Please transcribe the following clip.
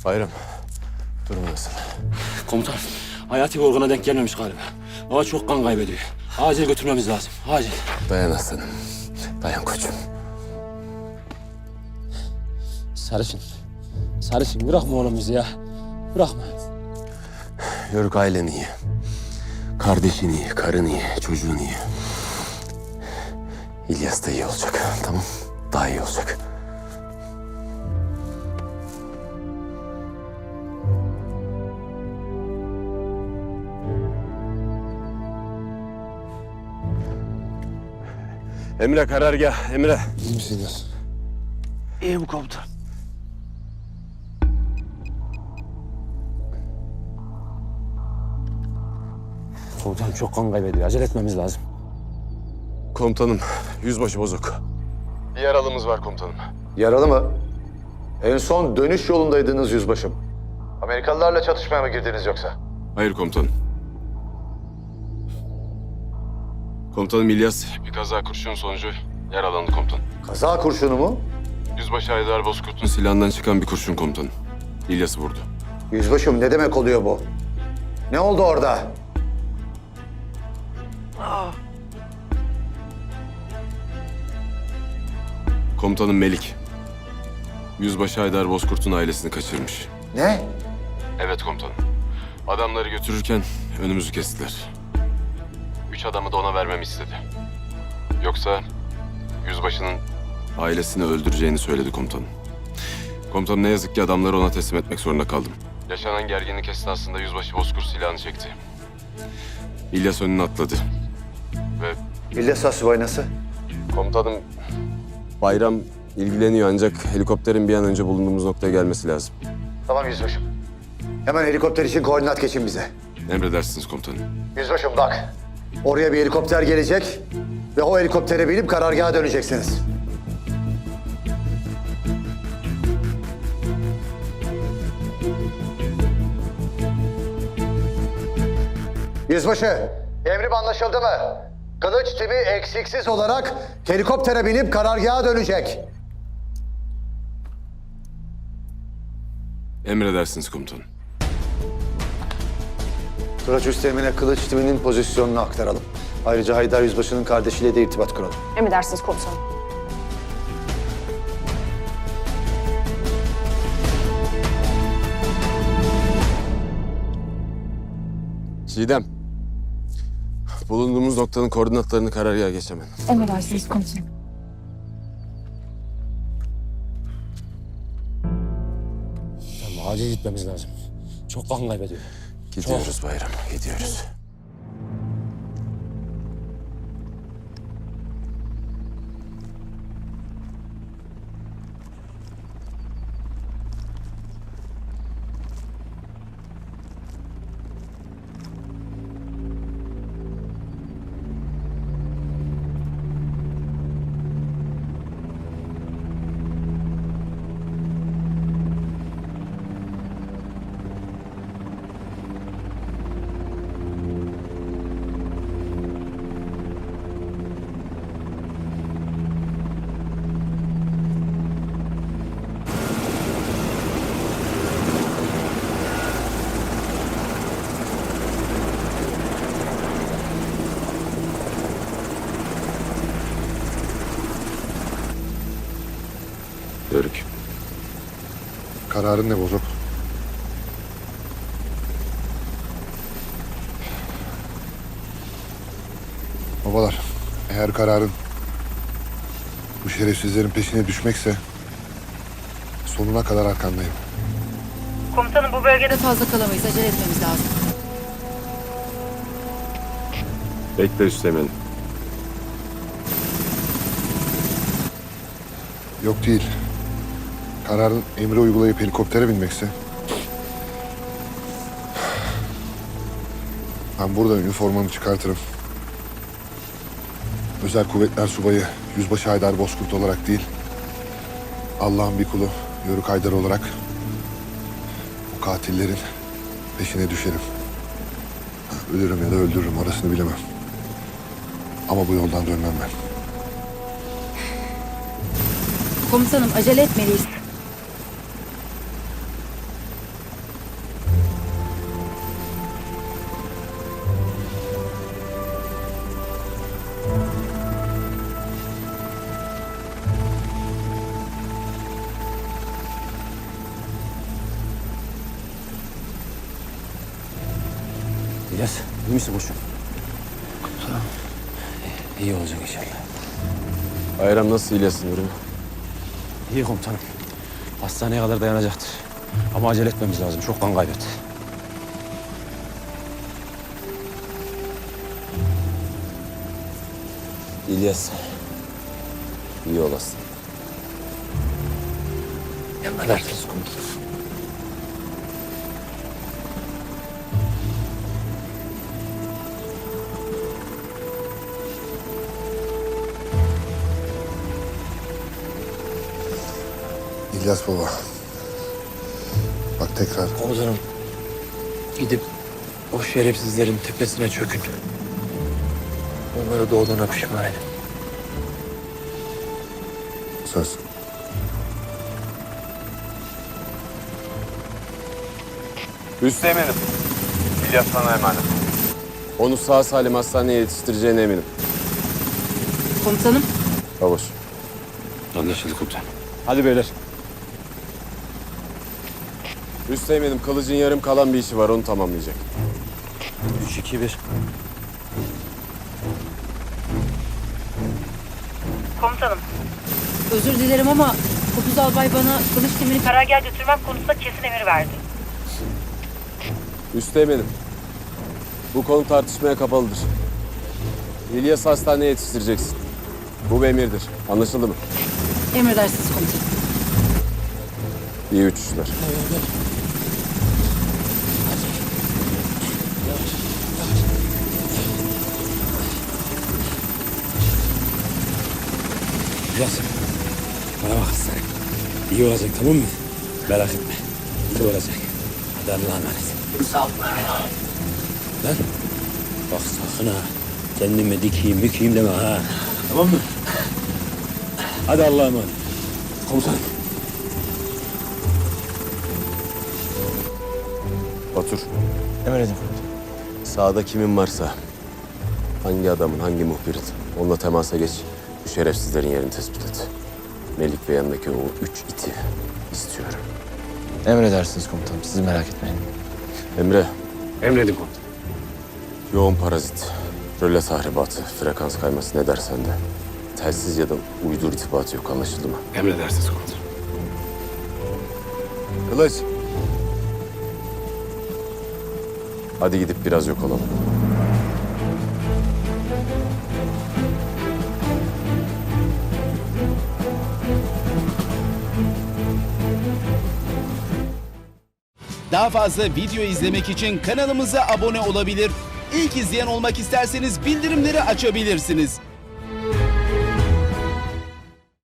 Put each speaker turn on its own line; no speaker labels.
Bayram, durum nasıl?
Komutan, hayati bir organa denk gelmemiş galiba. Baba çok kan kaybediyor. Acil götürmemiz lazım, acil.
Dayan aslanım, dayan koçum.
Sarışın, Sarışın bırakma oğlum bizi ya. Bırakma.
Yörük ailen iyi. Kardeşin iyi, karın iyi, çocuğun iyi. İlyas da iyi olacak, tamam? Daha iyi olacak. Emre karargah, Emre.
İyi misiniz?
İyiyim komutan. Komutan çok kan kaybediyor. Acele etmemiz lazım.
Komutanım, yüzbaşı bozuk. Bir yaralımız var komutanım.
Yaralı mı? En son dönüş yolundaydınız yüzbaşım. Amerikalılarla çatışmaya mı girdiniz yoksa?
Hayır komutanım. Komutanım İlyas bir kaza kurşun sonucu yaralandı komutanım.
Kaza kurşunu mu?
Yüzbaşı Haydar Bozkurt'un silahından çıkan bir kurşun komutanım. İlyas'ı vurdu.
Yüzbaşım ne demek oluyor bu? Ne oldu orada?
Komutanım Melik. Yüzbaşı Haydar Bozkurt'un ailesini kaçırmış.
Ne?
Evet komutanım. Adamları götürürken önümüzü kestiler. 3 adamı da ona vermemi istedi. Yoksa yüzbaşının ailesini öldüreceğini söyledi komutanım. Komutanım ne yazık ki adamları ona teslim etmek zorunda kaldım. Yaşanan gerginlik esnasında yüzbaşı Bozkurt silahını çekti. İlyas önüne atladı. Ve
İlyas Asubay nasıl?
komutanım Bayram ilgileniyor ancak helikopterin bir an önce bulunduğumuz noktaya gelmesi lazım.
Tamam yüzbaşım. Hemen helikopter için koordinat geçin bize.
Emredersiniz komutanım.
Yüzbaşım bak. Oraya bir helikopter gelecek ve o helikoptere binip karargaha döneceksiniz. Yüzbaşı, emrim anlaşıldı mı? Kılıç timi eksiksiz olarak helikoptere binip karargaha dönecek.
Emredersiniz komutanım.
Turaç Üsteğmen'e kılıç timinin pozisyonunu aktaralım. Ayrıca Haydar Yüzbaşı'nın kardeşiyle de irtibat kuralım.
Emredersiniz komutanım.
Çiğdem. Bulunduğumuz noktanın koordinatlarını karargaha geç hemen.
Emredersiniz komutanım.
Tamam, acil gitmemiz lazım. Çok kan kaybediyor.
Gidiyoruz Bayram, gidiyoruz. Yörük.
Kararın ne bozuk? Babalar, eğer kararın bu şerefsizlerin peşine düşmekse sonuna kadar arkandayım.
Komutanım bu bölgede fazla kalamayız. Acele etmemiz lazım.
Bekle Üsteğmen'im.
Yok değil. Kararın emri uygulayıp helikoptere binmekse ben burada üniformamı çıkartırım. Özel Kuvvetler Subayı Yüzbaşı Haydar Bozkurt olarak değil, Allah'ın bir kulu Yörük Haydar olarak bu katillerin peşine düşerim. Ölürüm ya da öldürürüm, orasını bilemem. Ama bu yoldan dönmem ben.
Komutanım acele etmeliyiz.
İlyas, iyi misin koçum? İyi olacak inşallah.
Bayram nasıl İlyas'ın durumu?
İyi komutanım. Hastaneye kadar dayanacaktır. Ama acele etmemiz lazım. Çok kan kaybetti.
İlyas. İyi olasın.
Emredersiniz komutanım.
İlyas baba. Bak tekrar
Komutanım, gidip o şerefsizlerin tepesine çökün. Onları doğduğuna pişman edin.
söz.
Üsteğmenim. İlyas sana emanet. Onu sağ salim hastaneye yetiştireceğine eminim.
Komutanım.
Babuş.
Anlaşıldı komutanım.
Hadi beyler. Üsteğmenim, Kılıç'ın yarım kalan bir işi var, onu tamamlayacak.
3-2-1.
Komutanım. Özür dilerim ama Kopuz Albay bana kılıç timini karargaha götürmek konusunda kesin emir verdi.
Üsteğmenim, bu konu tartışmaya kapalıdır. İlyas'ı hastaneye yetiştireceksin. Bu bir emirdir. Anlaşıldı mı?
Emredersiniz komutanım.
İyi uçuşlar.
İlyas, bana bak sen. İyi olacak tamam mı? Merak etme. İyi olacak. Hadi Allah'a emanet. Sağ ol. Lan, bak sakın ha. Kendime dikeyim, mükeyim deme ha. Tamam mı? Hadi Allah'a emanet. Komutanım.
Otur.
Emredin.
Sağda kimin varsa, hangi adamın, hangi muhbirin, onunla temasa geç. Bu şerefsizlerin yerini tespit et. Melik ve yanındaki o 3 iti istiyorum.
Emredersiniz komutanım. Siz merak etmeyin.
Emre,
Emredin komutanım.
yoğun parazit, röle tahribatı, frekans kayması ne dersen de. Telsiz ya da uydu irtibatı yok, anlaşıldı mı?
Emredersiniz komutanım.
Kılıç. Hadi gidip biraz yok olalım.
Daha fazla video izlemek için kanalımıza abone olabilir. İlk izleyen olmak isterseniz bildirimleri açabilirsiniz.